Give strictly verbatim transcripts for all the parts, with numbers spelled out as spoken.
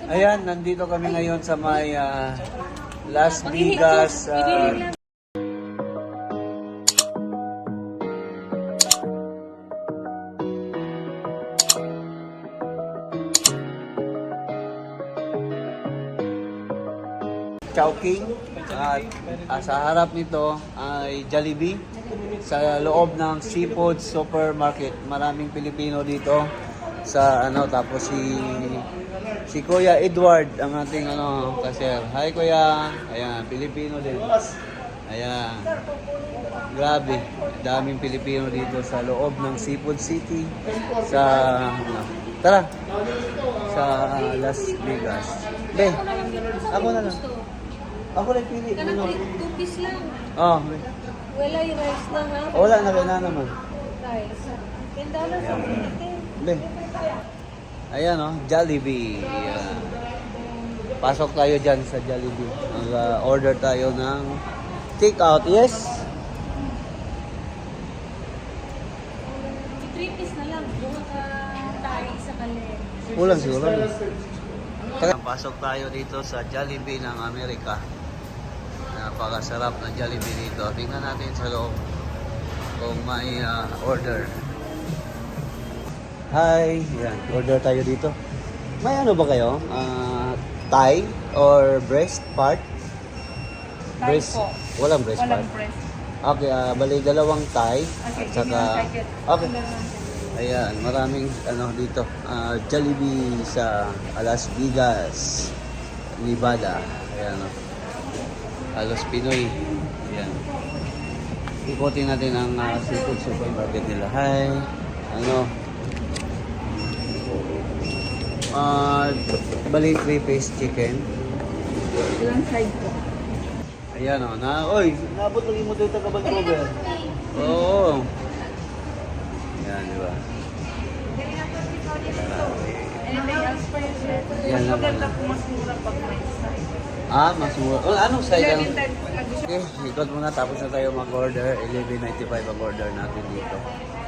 Ayan, nandito kami ngayon sa may ah, Las Vegas. ah, Chowking. At ah, sa harap nito ay Jollibee. Sa loob ng Seafood Supermarket. Maraming Pilipino dito sa ano, tapos si si Kuya Edward ang ating ano cashier. Hi Kuya. Ayan, Pilipino din. Ayan. Grabe, daming Pilipino dito sa loob ng Seafood City sa ano, tara sa Las Vegas. Be, ako na lang. Ako lang pili. Kanang Ano? two piece lang. Oh, be. Wala yung rice lang ha. Wala na kaya naman. Rice. ten dollars ang pinite. Be. Ayan oh, Jollibee. Ayan. Pasok tayo dyan sa Jollibee. Mag-order tayo ng take out. Yes? three piece na lang. Bunga ka tayo sa kali. Kulang siguro. Pasok tayo dito sa Jollibee ng Amerika. Napakasarap na Jollibee dito. Tingnan natin sa loob kung may uh, order. Hi! Yan, order tayo dito. May ano ba kayo? Uh, thigh or breast part? Thigh Breast? po. Walang breast Walang part? breast. Okay, uh, bali dalawang thigh. Okay, At saka, okay. Ayan, maraming ano dito. Uh, Jollibee sa Las Vegas, Nevada. Ayan, oh. Halos Pinoy. Ayan. Ikutin natin ang uh, seafood supermarket nila. Hi. Ano? Uh, bali three piece chicken. Ilang side po? Ayan o. Na, oy, nabot lagi mo dito ka Vancouver. Oo. Ayan, di ba? Anything else for you, sir? Yan Mas lang. maganda po mas mura pag may side. Ah, mas mura. Oh, anong size ang... eleven type po nag- Okay, ikot muna tapos na tayo mag-order. eleven ninety-five ang order natin dito.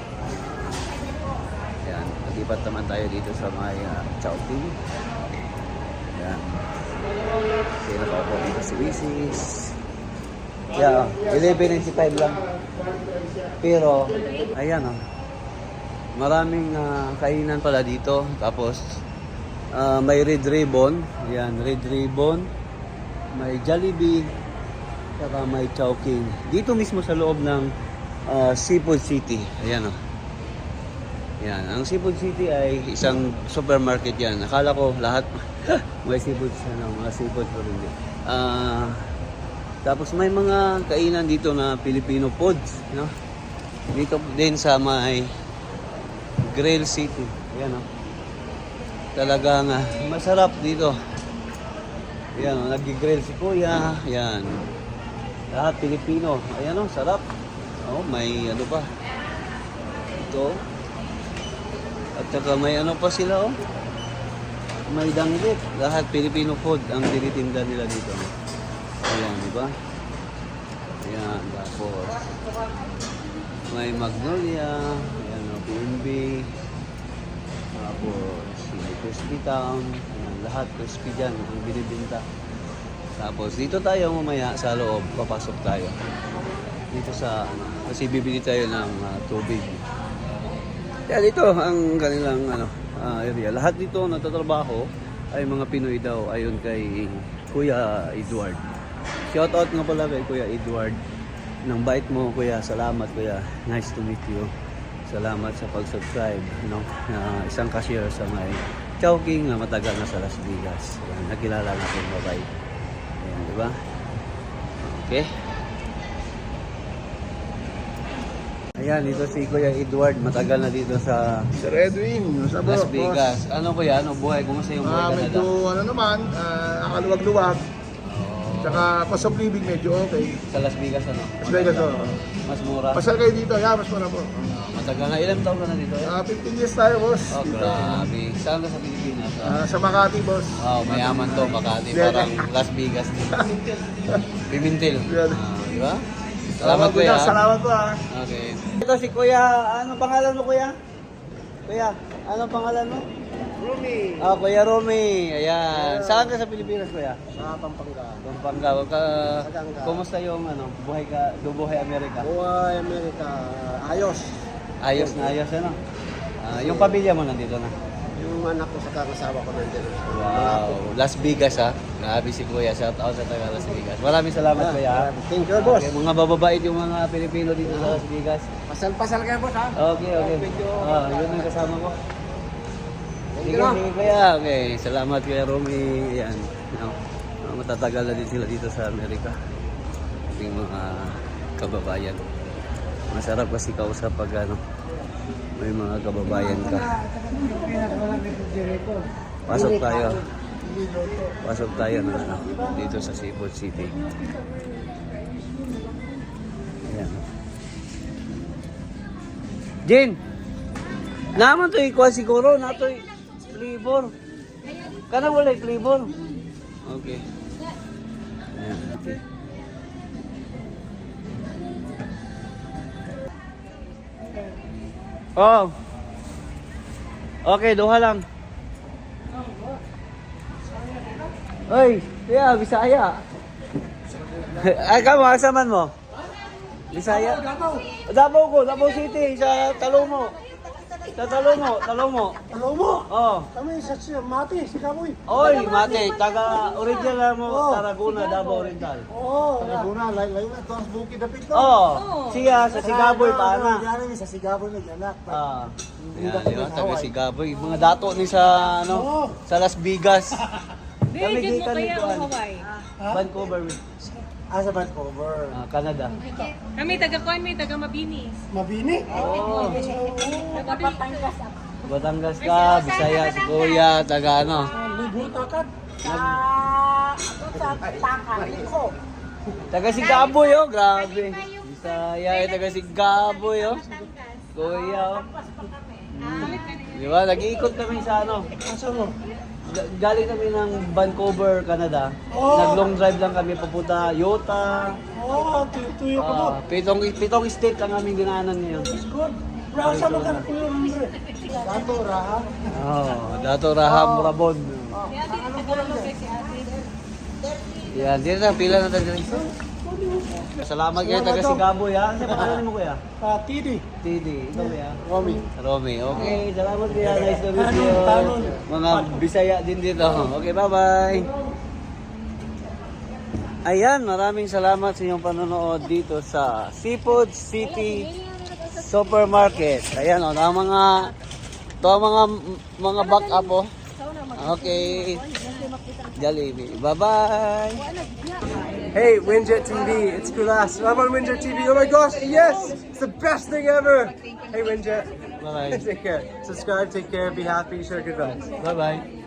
Ayan, nagipat naman tayo dito sa may uh, Chowking. Ayan. Sino pa po dito si Wisis. Yeah, eleven ninety-five lang. Pero, ayan oh. Maraming uh, kainan pala dito. Tapos, uh, may Red Ribbon. Ayan, Red Ribbon. May Jollibee. Saka may Chowking. Dito mismo sa loob ng uh, Seafood City. Ayan o. Oh. Ayan. Ang Seafood City ay isang supermarket yan. Akala ko lahat may seafood, ano, mga seafood pero hindi. Uh, tapos may mga kainan dito na Filipino foods. No? Dito din sa may Grill City. Ayan o. Oh. Talagang uh, masarap dito. Ayan o. Oh, nag-grill si Kuya. Ayan. Lahat Pilipino. Ayan o, sarap. Oh, may ano pa. Ito. At saka may ano pa sila oh. May danggit. Lahat Filipino food ang tinitinda nila dito. Ayan, di ba? Ayan, tapos may Magnolia. Ayan o, P N B. Tapos may Crispy Town. Ayan, lahat crispy dyan ang binibinta. Tapos dito tayo mamaya sa loob, papasok tayo. Dito sa ano, kasi bibili tayo ng uh, tubig. Kaya dito ang kanilang ano, uh, area. Lahat dito nagtatrabaho ay mga Pinoy daw ayon kay Kuya Edward. Shout out nga pala kay Kuya Edward. Nang bait mo Kuya, salamat Kuya. Nice to meet you. Salamat sa pag-subscribe, no? Uh, isang cashier sa may Chowking na matagal na sa Las Vegas. Ayan, nakilala natin, bye-bye. Ayan, di ba? Okay. Ayan, dito si Kuya Edward. Matagal na dito sa Sir Edwin, sa Las Vegas. Ano Kuya? Ano buhay? Kumusta yung buhay Ah, Canada? medyo ano naman, ah, akaluwag-luwag. Oh, Tsaka cost of living medyo okay. sa Las Vegas ano? Las Vegas, oh. Mas mura? Pasal kayo dito, yeah, mas muna po. Ah, matagal na. Ilang taon ka na dito? Eh? Ah, fifteen years tayo, boss. Oh, Dito. grabe. Saan ka sa Pilipinas? Ah, sa Makati, boss. Wow, mayaman to, Makati. Parang Las Vegas din. Pimintil. Yan. Ah, di ba? Salamat Kuya. Kuya. Salamat po, ah. Okay. Ito si Kuya, ano pangalan mo Kuya? Kuya, ano pangalan mo? Rumi. Ah, Kuya Romy. Ayan. Saan ka sa Pilipinas, kuya? Sa Pampanga. Pampanga. Ka, Pampanga. kumusta yung ano, buhay ka, buhay Amerika? Buhay Amerika. Ayos. Ayos na ayos, ano? Ah, yung pamilya mo nandito na. Yung anak ko sa kangasawa ko nandito. Wow. Las Vegas, ha? Grabe si kuya. Shout out sa taga Las Vegas. Maraming salamat, Ah, kuya. ha? Thank you, boss. Okay, mga bababait yung mga Pilipino dito sa Las Vegas. Pasal-pasal kayo, boss, ha? Okay, okay. Ah, yun ang kasama ko. Sige, you. sige kuya. Okay, salamat kuya Romy. Yan. No, no, matatagal na din sila dito sa Amerika. Ating mga kababayan. Masarap kasi kausap pag ano, may mga kababayan ka. Pasok tayo. Pasok tayo na ano, dito sa Seafood City. Ayan. Jin! Naman to ikuha siguro, na to flavor. Kana wala yung flavor. Okay. Ayan, okay. Oh. Okay, duha lang. Oy, yeah, Bisaya. Ay, kamo, asa man mo? Bisaya? Davao ko, Davao City, sa Talomo. Sa Talomo, Talomo. Hello mo. Oh. Kami sa si Mati, si Kamoy. Oy, mate, taga original mo, Oh. Tarragona, Davao Oriental. Oo. Laguna, layo na ito ang bukid na pito. Oh, siya sa Sigaboy pa na. Yan sa Sigaboy nag-anak. Ah. Yan, di ba? Taga Sigaboy. Mga dato ni sa ano, sa Las Vegas. Kami Hindi, gikan mo ni kaya Kuan. ang Hawaii. Vancouver, Ah, sa Vancouver. ah, Canada. Kami taga Kuan, may taga Mabinis. Mabini. Oh, Taga Batangas. Batangas ka, Bisaya, si Kuya, taga ano. Libur takat. Taga Sigaboy, oh, grabe. Bisaya, eh, taga Sigaboy, oh. Kuya, oh. Hmm. Di ba? Nag-iikot kami sa ano. Asa mo? G- Galing kami ng Vancouver, Canada. Oh. Nag-long drive lang kami papunta Utah. Oo, tuyo ko mo. Ah, pitong pitong state ang aming dinaanan ngayon. Good. Brasa mo ka na kuyo libre. Dato raha. Oh, Dato Raham Rabon. Yan, dito na pila na tayo. Salamat kayo taga Sigaboy, ha. Ano pangalan mo, kuya? Ah, Tidi. Tidi, ikaw kuya. Romy. Romy. Okay, salamat kuya. Nice to meet you. Talon. Mga Bisaya din dito. Okay, bye-bye. Ayan, maraming salamat sa inyong panonood dito sa Seafood City Supermarket. Ayan, oh, ang mga to ang mga mga back up, oh. Okay. Jollibee. Bye-bye. Hey, Winjet T V, it's Kulas. I'm on Winjet T V. Oh my gosh, yes! It's the best thing ever! Hey, Winjet. Bye-bye. Take care. Subscribe, take care, be happy, share good vibes. Bye-bye.